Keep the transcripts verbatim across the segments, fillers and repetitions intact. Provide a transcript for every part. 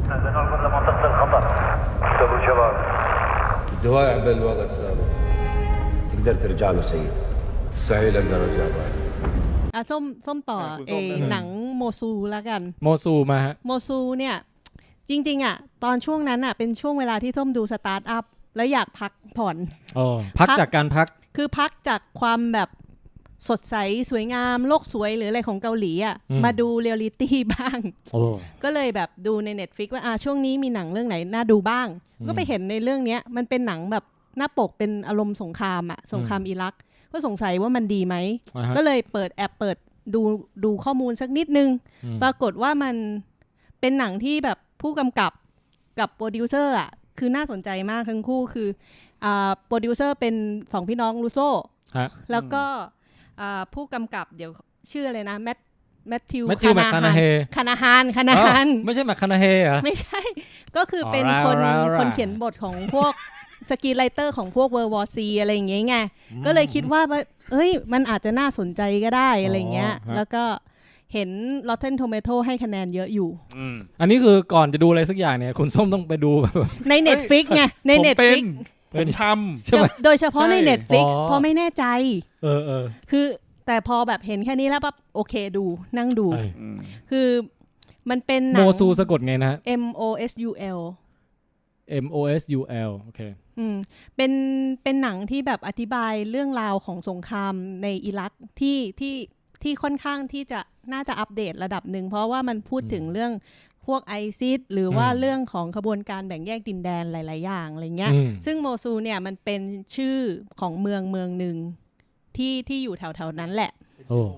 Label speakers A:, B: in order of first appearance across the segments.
A: نرجع لمنطقة الخطر. استقبلوا شباب.
B: الدواعي بالوضع السابق.
C: تقدر ترجع له سيد.
B: مستحيل اقدر ارجع بعد.
D: อ่ะส้มส้มต่อเอหนังโมซูแล้วกัน
E: โมซูมาฮะ
D: โมซูเนี่ยจริงๆอ่ะตอนช่วงนั้นอ่ะเป็นช่วงเวลาที่ส้มดูสตาร์ทอัพแล้วอยากพักผ่อน
E: อ๋อพักจากการพัก
D: คือพักจากความแบบสดใสสวยงามโลกสวยหรืออะไรของเกาหลีอ่ะมาดูเรียลลิตี้บ้างก็เลยแบบดูใน Netflix ว่าอ่ะช่วงนี้มีหนังเรื่องไหนน่าดูบ้างก็ไปเห็นในเรื่องนี้มันเป็นหนังแบบหน้าปกเป็นอารมณ์สงครามอ่ะสงครามอิรักก็สงสัยว่ามันดีไหมก็เลยเปิดแอปเปิดดูดูข้อมูลสักนิดนึงปรากฏว่ามันเป็นหนังที่แบบผู้กำกับกับโปรดิวเซอร์อ่ะคือน่าสนใจมากทั้งคู่คืออ่าโปรดิวเซอร์เป็นสองพี่น้องรูโซ่แล้วก็ผู้กำกับเดี๋ยวชื่ออะไรนะแมทแมทธิวคานาฮานคานาฮานคานาฮาน
E: ไม่ใช่แมคคานาเฮเหรอ
D: ไม่ใช่ก็คือเป็นคนคนเขียนบทของพวกสกรีนไรเตอร์ของพวก World War C อะไรอย่างเงี้ยไงก็เลยคิดว่าเอ้ยมันอาจจะน่าสนใจก็ได้อะไรเงี้ยแล้วก็เห็น Rotten Tomato ให้คะแนนเยอะอยู่
E: อันนี้คือก่อนจะดูอะไรสักอย่างเนี่ยคุณส้มต้องไปดู
D: ใน Netflix ไงใน Netflix
F: เป็นทำ
D: ใช่ไหมโดยเฉพาะใน Netflix เพราะไม่แน่ใจ
E: เออเออ
D: คือแต่พอแบบเห็นแค่นี้แล้วปั๊บโอเคดูนั่งดูคือมันเป็นหนัง
E: โมซูสะกดไงนะ
D: M O S U L
E: M O S U L โอเค
D: อืมเป็นเป็นหนังที่แบบอธิบายเรื่องราวของสงครามในอิรักที่ที่ที่ค่อนข้างที่จะน่าจะอัปเดตระดับหนึ่งเพราะว่ามันพูดถึงเรื่องพวกไอซิสหรือว่าเรื่องของขบวนการแบ่งแยกดินแดนหลายๆอย่างอะไรเงี้ยซึ่งโมซูเนี่ยมันเป็นชื่อของเมืองเมืองหนึ่งที่ที่อยู่แถวๆนั้นแหละ
E: โอ้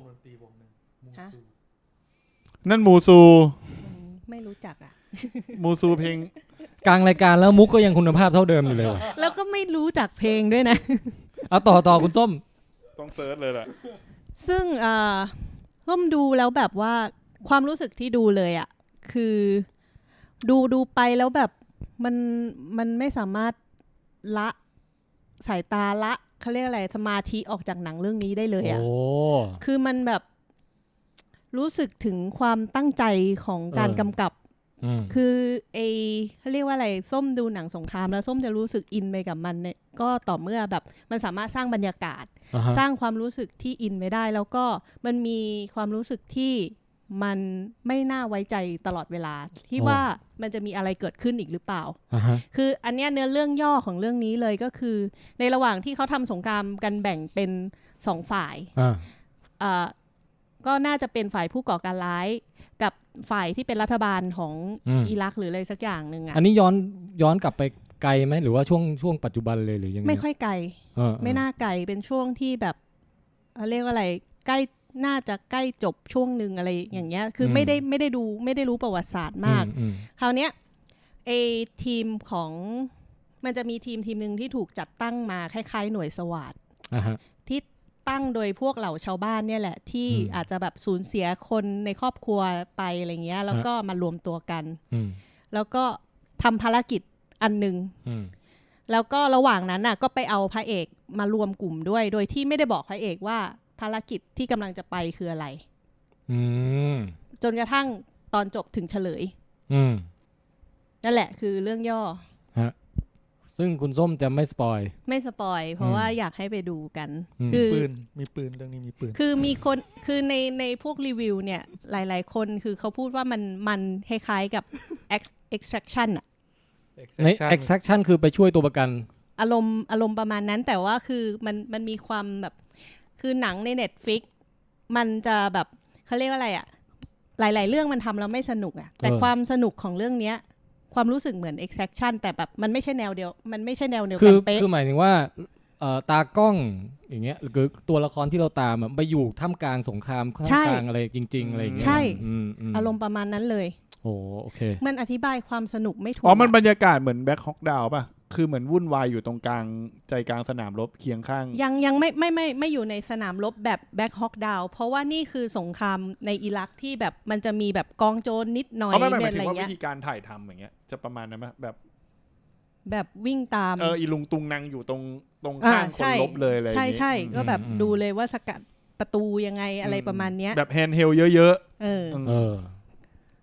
F: นั่นมูซู
D: ไม่รู้จักอ่ะ
F: มูซูเพลง
E: กลางรายการแล้วมุกก็ยังคุณภาพเท่าเดิมอยู่เลย
D: แล้วก็ไม่รู้จักเพลงด้วยนะ
E: เอาต่อต่อคุณส้ม
F: ต้องเซิร์ชเลยแหละ
D: ซึ่งอ่าส้มดูแล้วแบบว่าความรู้สึกที่ดูเลยอ่ะคือดูดูไปแล้วแบบมันมันไม่สามารถละสายตาละเขาเรียกอะไรสมาธิออกจากหนังเรื่องนี้ได้เลยอ่ะคือมันแบบรู้สึกถึงความตั้งใจของการกำกับคือไอเขาเรียกว่าอะไรส้มดูหนังสงครามแล้วส้มจะรู้สึกอินไปกับมันเนี่ยก็ต่อเมื่อแบบมันสามารถสร้างบรรยากาศ uh-huh. สร้างความรู้สึกที่อินไปได้แล้วก็มันมีความรู้สึกที่มันไม่น่าไว้ใจตลอดเวลาที่ oh. ว่ามันจะมีอะไรเกิดขึ้นอีกหรือเปล่า uh-huh. คืออันเนี้ยเนื้อเรื่องย่อของเรื่องนี้เลยก็คือในระหว่างที่เขาทำสงครามกันแบ่งเป็นสองฝ่าย uh. อ่าก็น่าจะเป็นฝ่ายผู้ก่อการร้ายกับฝ่ายที่เป็นรัฐบาลของอิรักหรืออะไรสักอย่างนึงอ่ะ
E: อันนี้ย้อนย้อนกลับไปไกลไหมหรือว่าช่วงช่วงปัจจุบันเลยหรือยังไง
D: ไม่ค่อยไกลไม่น่าไกลเป็นช่วงที่แบบเรียกว่าอะไรใกล้น่าจะใกล้จบช่วงนึงอะไรอย่างเงี้ยคือไม่ได้ไม่ได้ดูไม่ได้รู้ประวัติศาสตร์มากคราวเนี้ยไอทีมของมันจะมีทีมทีมนึงที่ถูกจัดตั้งมาคล้ายๆหน่วยสวาทที่ตั้งโดยพวกเหล่าชาวบ้านเนี่ยแหละที่อาจจะแบบสูญเสียคนในครอบครัวไปอะไรเงี้ยแล้วก็มารวมตัวกันแล้วก็ทำภารกิจอันนึงแล้วก็ระหว่างนั้นน่ะก็ไปเอาพระเอกมารวมกลุ่มด้วยโดยที่ไม่ได้บอกพระเอกว่าภารกิจที่กำลังจะไปคืออะไรจนกระทั่งตอนจบถึงเฉลยนั่นแหละคือเรื่องย่อ
E: ซึ่งคุณส้มจะไม่สปอย
D: ไม่สปอยเพราะว่าอยากให้ไปดูกัน
F: คือปืนมีปืนเรื่องนี้มีปืน
D: คือมีคนคือในในพวกรีวิวเนี่ยหลายๆคนคือเขาพูดว่ามันมันคล้ายๆกับ extraction อะ
E: ใน extraction คือไปช่วยตัวประกัน
D: อารมณ์อารมณ์ประมาณนั้นแต่ว่าคือมันมันมีความแบบคือหนังใน Netflix มันจะแบบเขาเรียกว่าอะไรอะหลายๆเรื่องมันทำแล้วไม่สนุกอะแต่ความสนุกของเรื่องเนี้ยความรู้สึกเหมือน extraction แต่แบบมันไม่ใช่แนวเดียวมันไม่ใช่แนวเดียวกันเป๊ะ
E: คือหมายถึงว่าเอ่อตากล้องอย่างเงี้ยหรือตัวละครที่เราตามอ่ะไปอยู่ท่ามกลางสงครามท่ามกลางอะไรจริงๆอะไรอย่างเงี้ย
D: ใช่อารมณ์ประมาณนั้นเลย
E: โอ้โอเค
D: มันอธิบายความสนุกไม่ถูก
F: อ๋อมันบรรยากาศเหมือนแบ็คฮอกดาวน์ป่ะคือเหมือนวุ่นวายอยู่ตรงกลางใจกลางสนามรบเคียงข้าง
D: ยังยังไม่ไม่ไม่ไม่อยู่ในสนามรบแบบแบ็คฮอกดาวน์เพราะว่านี่คือสงครามในอิรักที่แบบมันจะมีแบบกองโจรนิดหน่อย
F: อะไรเงี้ยไม่หมายถึงว่าวิธีการถ่ายทำอย่างเงี้ยจะประมาณนั้นไหมแบบ
D: แบบวิ่งตาม
F: เอออีลุงตุงนางอยู่ตรงตรงข้างคนรบเลยอะไรอย่าง
D: งี้ใช่ใช่ก็แบบดูเลยว่าสกัดประตูยังไงอะไรประมาณเนี้ย
F: แบบแฮนด์เฮลเยอะ
D: ๆเออ
F: เออ
E: ด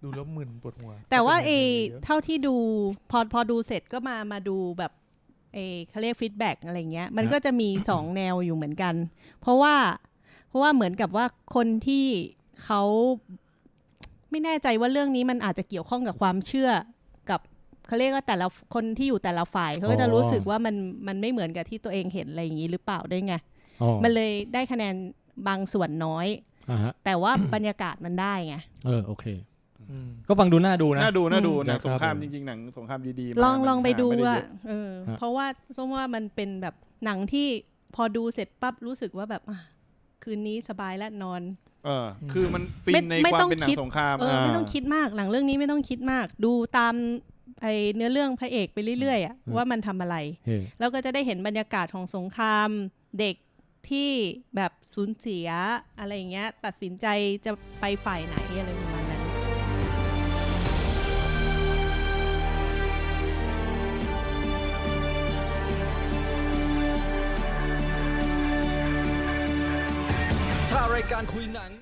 F: ดูแล้วมึนปวดหัว
D: แต่ว่าเอ
F: ก็ป็นย่งนี้
D: เท่าที่ดูพอพอดูเสร็จก็มามาดูแบบเอเขาเรียกฟีดแบ็กอะไรเงี้ยมันก็จะมีสองแนวอยู่เหมือนกัน เพราะว่าเพราะว่าเหมือนกับว่าคนที่เขาไม่แน่ใจว่าเรื่องนี้มันอาจจะเกี่ยวข้องกับความเชื่อกับเขาเรียกว่าแต่ละคนที่อยู่แต่ละฝ่ายเขาก็จะรู้สึกว่ามันมันไม่เหมือนกับที่ตัวเองเห็นอะไรอย่างนี้หรือเปล่าด้วยไง
E: อ๋อ
D: มันเลยได้คะแนนบางส่วนน้อย
E: อ่าฮะ
D: แต่ว่า บรรยากาศมันได้ไง
E: เออโอเค ก็ฟังดูน่าดูนะ
F: น่าดูน่าดู
E: อืม
F: หนัง
E: นะครับ
F: สงคราม
E: ผม
F: จริงๆหนังสงครามดีๆ
D: ลอง
F: มา
D: ลองไป
F: มันหา
D: ดู
F: ม่
D: อ่ะ
F: เย
D: เออ
E: ฮะ
D: เพราะว่าส้มว่ามันเป็นแบบหนังที่พอดูเสร็จปั๊บรู้สึกว่าแบบอ่ะคืนนี้สบายและนอน
F: เออคือมันฟิน
D: ไม่
F: ใน
D: ไม่
F: ความ
D: ต้อง
F: เป็นหนั
D: คิด
F: งสงคราม
D: เออไม่ต้องคิดมากหนังเรื่องนี้ไม่ต้องคิดมาก ดูตามไอเนื้อเรื่องพระเอกไปเรื่อยๆอ่ะว่ามันทำอะไร
E: เฮ้
D: แล้วก็จะได้เห็นบรรยากาศของสงครามเด็กที่แบบสูญเสียอะไรอย่างเงี้ยตัดสินใจจะไปฝ่ายไหนอะไรประมาณนั้น
G: ถ้ารายการคุยหนัง